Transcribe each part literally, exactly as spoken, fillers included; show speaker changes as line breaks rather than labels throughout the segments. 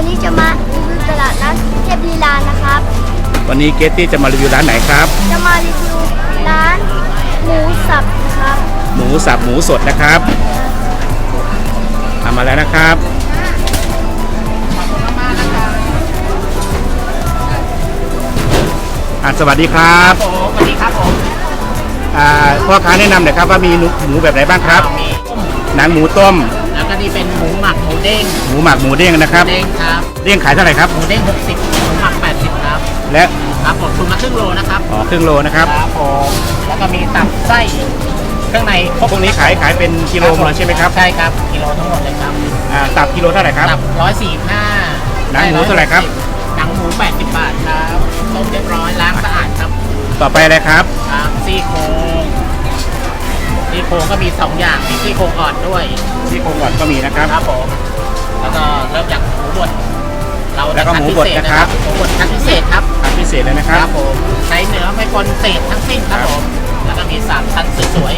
วันนี้จะมารีวิวตลาดนัดเทพลีลานะครับ
วันนี้เกตตี้จะมารีวิวร้านไหนครับ
จะมารีวิวร้านหมูสับนะครับ
หมูสับหมูสดนะครับทำมาแล้วนะครับอ่าสวัสดีครับ
สวัสดีครับผม
อ่าพ่อค้าแนะนำหน่อยครับว่ามีหมูแบบไหนบ้างครับ
มี
หนังหมูต้ม
แล้วก็นี่เป็นหมูหมักหมูเด้ง
หมูหมักหมูเด้งนะครับ
เด้งครับ
เด้งขายเท่าไหร่ครับ
หมูเด้งหกสิบหมูหมักแปดสิบครับ
และ
ครับผมคุณมาครึ่งโลนะครับ
อ๋อครึ่งโลนะครับ
ครับผมแล้วก็มีตับไส้เครื่องใน
พวกนี้ขายขายเป็นกิโลหมดใช่ไหมครับ
ใช่ครับกิโลทั้งหมดเลยครับ
อ่าตับกิโลเท่าไหร่ครับ
ตับร้อยสี่ห้า
หนังหมูเท่าไหร่ครับ
หนังหมูแปดสิบบาทครับต้มเรียบร้อยล้างสะอาดครับ
ต่อไปอะไรครับ
ครับซี่โครงซี่โครงก็มีสองอย่างมีซี่โครงอ่อนด้วย
ซี่โครงอ่อนก็มีนะครับ
ครับผมแล้วก็เริ่มจากหมูบด
เราแล้วก็หมูบดนะครับ
หมูบดคั้นพิเศษครับ
คั้นพิเศษเลยนะครับ
ครับผมใช้เนื้อไม่ปนเศษทั้งสิ้นครับผมแล้วก็มีสามชั้นสวย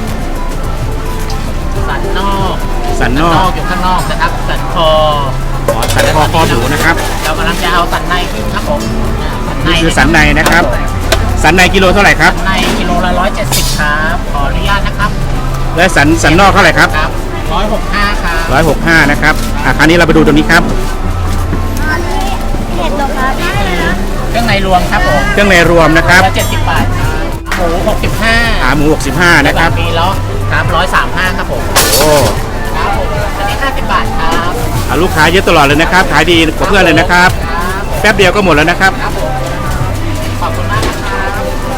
ๆสันนอก
สันนอก
อยู่ข้างนอกนะครับสันคอ
อ๋อสันคอคอหมูนะครับ
เรากำลังจะเอาสันในขึ้นครับผม
นี่คือสันในนะครับสันในกิโลเท่าไหร่ครับ
สันในกิโลละร้อยเจ็ดสิบครับขออนุญาตนะครับ
และสันสันนอกเท่าไหร่ครับ
ร้อยหกห้าครับ
ร้อยหกห้านะครับอ่ะคราวนี้เราไปดูตรงนี้ครับ
อันนี้เห็ดหรอครับ
เครื่องในรวมครับผม
เครื่องในรวมนะครับ
เจ็ดสิบบาทหมูหกสิบห้า
ขาหมูหกสิบห้านะครับ
มีล้อครับร้อยสามห้าครับผม
โอ้
ครับผมอันนี้ห้าสิบบาทครับ
ลูกค้าเยอะตลอดเลยนะครับขายดีกว่าเพื่อนเลยนะครับแป๊บเดียวก็หมดแล้วนะครับ
ขอบคุณมากนะครับ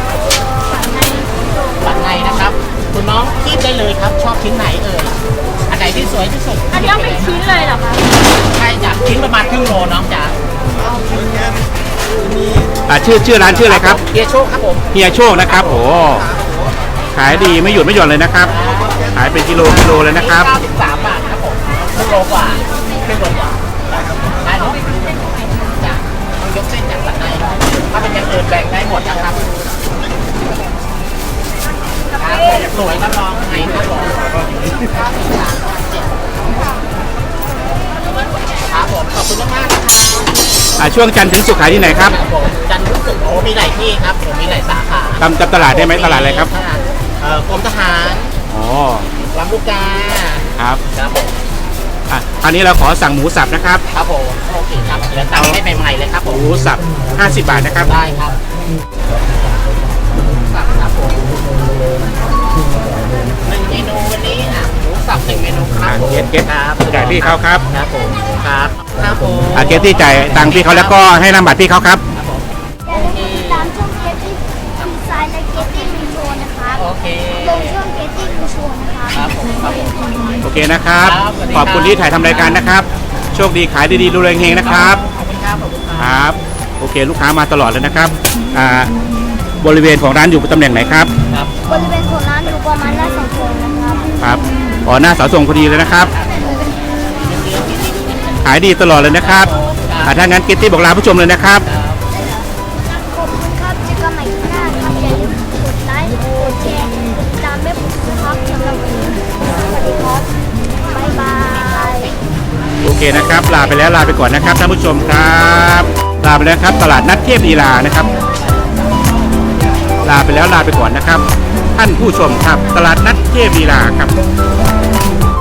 สันในนะครับคุณน้องคีบได้เลยครับชอบชิ้นไหนเอ่ยอันไหนที่สวยที่สุด
อันนี้เป็นชิ้นเลยเหรอคะ
ใช่จ้ะชิ้นประมาณครึ่งโลน้องจ๋า
อ่าชื่อชื่อร้านชื่ออะไรครับ
เฮียโชคครับผม
เฮียโชคนะครับโอ้ขายดีไม่หยุดไม่หย่อนเลยนะครับขายเป็นกิโลกิโลเลยนะครับ
เก้าสิบสามบาทครับผมครึ่งโลกว่าครึ่งโลกว่าได้เนาะจ้ะต้องยกเส้นจากสันในถ้าเป็นอย่างอื่นแบ่งได้หมดนะครับสวยครับน้องไงครับผมครับผมขอบคุณมากๆนะครับ
ช่วงจันทร์ถึงศุกร์ขายที่ไหนครับ
จันทร์ถึงศุกร์โอ้มีหลายที่ครับผมมีหลายสาขา
ทำจำตลาดได้ไหมตลาดอะไรครับ
เอ่อกรมทหาร
อ๋อ
ลำลูกกา
ครับ
ครับผม
อ่ะคราวนี้เราขอสั่งหมูสับนะครับ
ครับผมโอเคครับเดี๋ยวตังให้ใหม่ๆเลยครับผม
หมูสับห้าสิบบาทนะครับ
ได้ครับสับครับผมหนึ่งเมนูวันนี้อ่ะหมูสับหนึ่งเมนูครับ
เกตเกต
ครับ
จ่ายพี่เขาครับ
ครับผมครับครับผม
อ่ะเกตที่จ่ายตังค์พี่เขาแล้วก็ให้นำบัตรพี่เขาครับ
อย่าลืมติดตามช่องเกตตี้ดีไซน์และเกตตี้มีโชว์นะครับ
โอเค
ลงช่องเกตตี้มีโชว์นะครับ
ครับผมครับ
โอเคนะครับขอบคุณที่ถ่ายทำรายการนะครับโชคดีขายดีๆรวยเฮงๆนะครับ
ขอบคุณครับขอบคุณ
ครับโอเคลูกค้ามาตลอดเลยนะครับอ่าบริเวณของร้านอยู่ตำแหน่งไหนครับ
บริเวณของร้านอยู่ประมาณหน้าเสาธงนะครับ
ครับอ๋อหน้าเสาธงพอดีเลยนะครับขายดีตลอดเลยนะครับถ้างั้นเกตตี้บอกลาผู้ชมเลยนะครับ
ขอบคุณครับเจอกันใหม่ที่หน้าครับอย่าลืมกดไลค์กดแชร์กดติดตามแม่ผมนะครับสำหรับวันนี้สวัสดีครับบ๊ายบาย
โอเคนะครับลาไปแล้วลาไปก่อนนะครับท่านผู้ชมครับลาไปแล้วครับตลาดนัดเทพลีลานะครับลาไปแล้วลาไปก่อนนะครับท่านผู้ชมครับตลาดนัดเทพลีลาครับ